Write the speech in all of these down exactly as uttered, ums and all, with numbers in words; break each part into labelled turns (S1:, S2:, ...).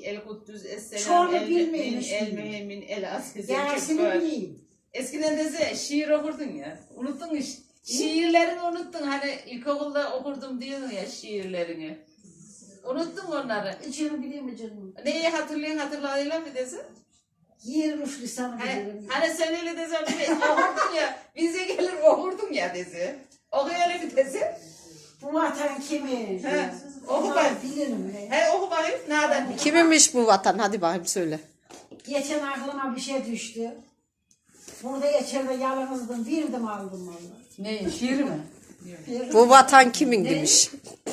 S1: el kuddüz, esselam,
S2: Çoğunu
S1: el
S2: bilmeymiş
S1: mümin, el
S2: miyim?
S1: mühemmin, el aziz.
S2: Yarısını bileyim.
S1: Eskiden de şiir okurdun ya. Unuttun iş. Şiirlerini unuttun. Hani ilkokulda okurdum diyordun ya şiirlerini. Unuttun onları.
S2: İçini biliyor mu canım?
S1: Neyi hatırlayan hatırladığıyla mı desin?
S2: Yirmiş lisanı
S1: Hani,
S2: bilirim.
S1: hani sen öyle desen okurdun ya. Bize gelir okurdun ya desi. Okuyalım bir desi.
S2: Bu vatan kimin?
S1: He, oku
S2: Onlar
S1: bakayım.
S2: bilirim. He.
S1: He oku bakayım. Nereden?
S3: Kiminmiş bu vatan? Hadi bakayım söyle.
S2: Geçen aklıma bir şey düştü. Burada içeride yalnızdım. Birdim aldım valla.
S4: Ne, şiir mi?
S3: Bu vatan kimin demiş.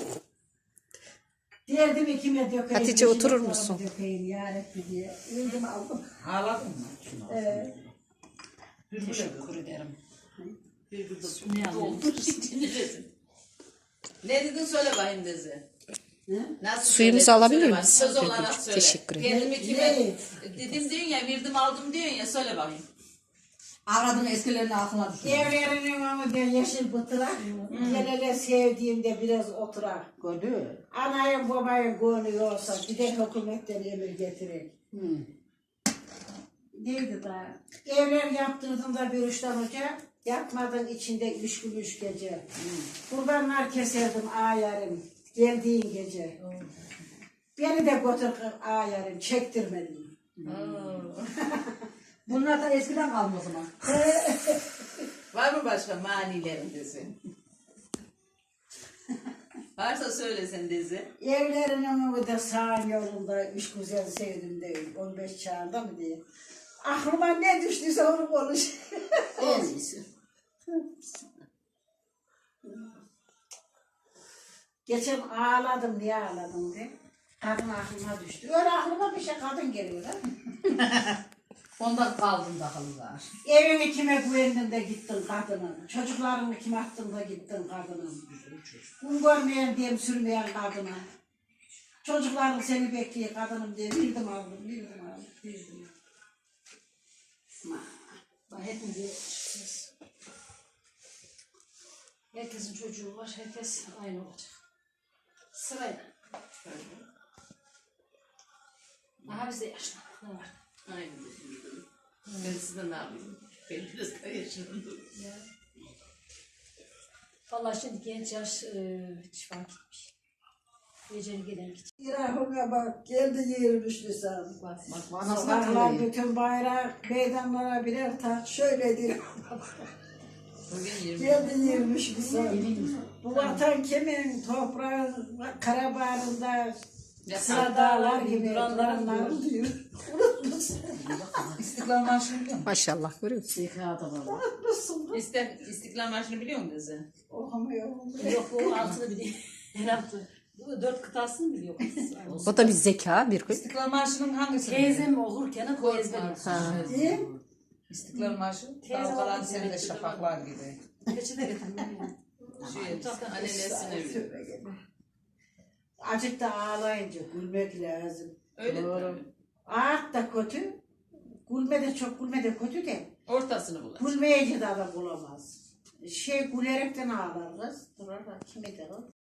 S2: Derdimi kime dökeyim?
S3: Hatice,
S2: peşime
S3: oturur
S2: sorumı
S3: musun?
S2: Dökeyim yarabbim diye. Birdim aldım.
S4: Ağladın mı?
S2: Evet.
S4: Teşekkür ederim.
S1: Bir burada
S4: Ne
S1: doldur içini desin. Ne dedin söyle bakayım desi. Nasıl
S3: Suyumuzu
S1: söyledin?
S3: alabilir
S1: Söyle
S3: miyiz?
S1: bakayım. Söz olarak söyle.
S3: Teşekkür ederim.
S1: Kendimi kime dedim diyorsun ya, verdim aldım diyorsun ya, söyle bakayım.
S4: Ağladın eskilerini aklına düşün.
S2: Evlerinin önünde yeşil bıtırak. Gel hele sevdiğimde biraz oturak.
S4: Gördün.
S2: Anayın babayın gönlü olsa gider hükümetten emir getirir.
S4: Hı.
S2: Neydi daha? Evler yaptırdım da bir üçten hoca. Yapmadın içinde üç gün üç gece. Kurbanlar keserdim ağayarım. Geldiğin gece. Beni de götür ağayarım. Çektirmedim.
S4: Bunlar da eskiden kalma o zaman.
S1: Var mı başka manilerin desin? Varsa söylesen dezi.
S2: Evlerinin önünde sağın yolunda üç güzel sevdim değil. on beş çağında mı diye. Aklıma ne düştüyse onu konuş.
S1: En iyisi.
S2: Geçen ağladım, niye ağladım diye. Kadın aklıma düştü. Öyle aklıma bir şey kadın geliyor ha.
S4: Ondan kaldın da halılar.
S2: Evini kime güvendin de gittin kadının. Çocuklarını kime attın da gittin kadının. Un görmeyen diyem sürmeyen kadına. Çocukların seni bekliyor kadınım diye bildim aldım, bildim aldım, bildim.
S5: Bak hepimiz yaşıyoruz. Herkesin çocuğu var, herkes aynı olacak. Sırayla. Aha biz de yaşlandık, ne var?
S1: Aynen. Ben sizden ne yapayım? Ben biraz daha yaşlandım.
S5: Ya. Vallahi şimdi genç yaş e, hiç fark etmiş. Geceli gelen gidecek.
S2: İrahına bak, geldi yirmiş lisan.
S5: Bak.
S4: Bak anasına
S2: Sokaklar
S4: söyleyeyim.
S2: bütün bayrak, meydanlara birer taş şöyledir.
S1: Bugün yirmi.
S2: Geldi yirmiş lisan. Bu vatan kimin? Toprağın karabarında sıra dağlar gibi duranlar diyor. Unutmuşsun.
S4: İstiklal Marşı'nı biliyor musun?
S3: Maşallah görüyor musun?
S4: Zekâda var.
S2: Unutmuşsun.
S1: İste, İstiklal Marşı'nı biliyor musun dezi?
S2: Okumuyor.
S5: Yok bu altını biliyor. Her altı. Bu dört kıtasını biliyor.
S3: O da bir zeka bir gün.
S4: İstiklal Marşı'nın hangisi?
S5: Teyzem okurken o ezber.
S3: Ha.
S2: Değil.
S4: İstiklal Marşı.
S5: Teyze
S4: Dalgalan
S5: oldu,
S4: sende
S5: evet.
S4: şafaklar gibi.
S5: Peçete getirdim.
S1: Şu annenesine biliyor.
S2: Azıcık da ağlayınca gülmek lazım.
S1: Öyle
S2: Doğru.
S1: mi?
S2: Ağıt da kötü. Gülme de çok gülme de kötü de.
S1: Ortasını bulacak.
S2: Gülmeyince de adam bulamaz. Şey gülerekten ağlar kız. Durar bak kimi der o?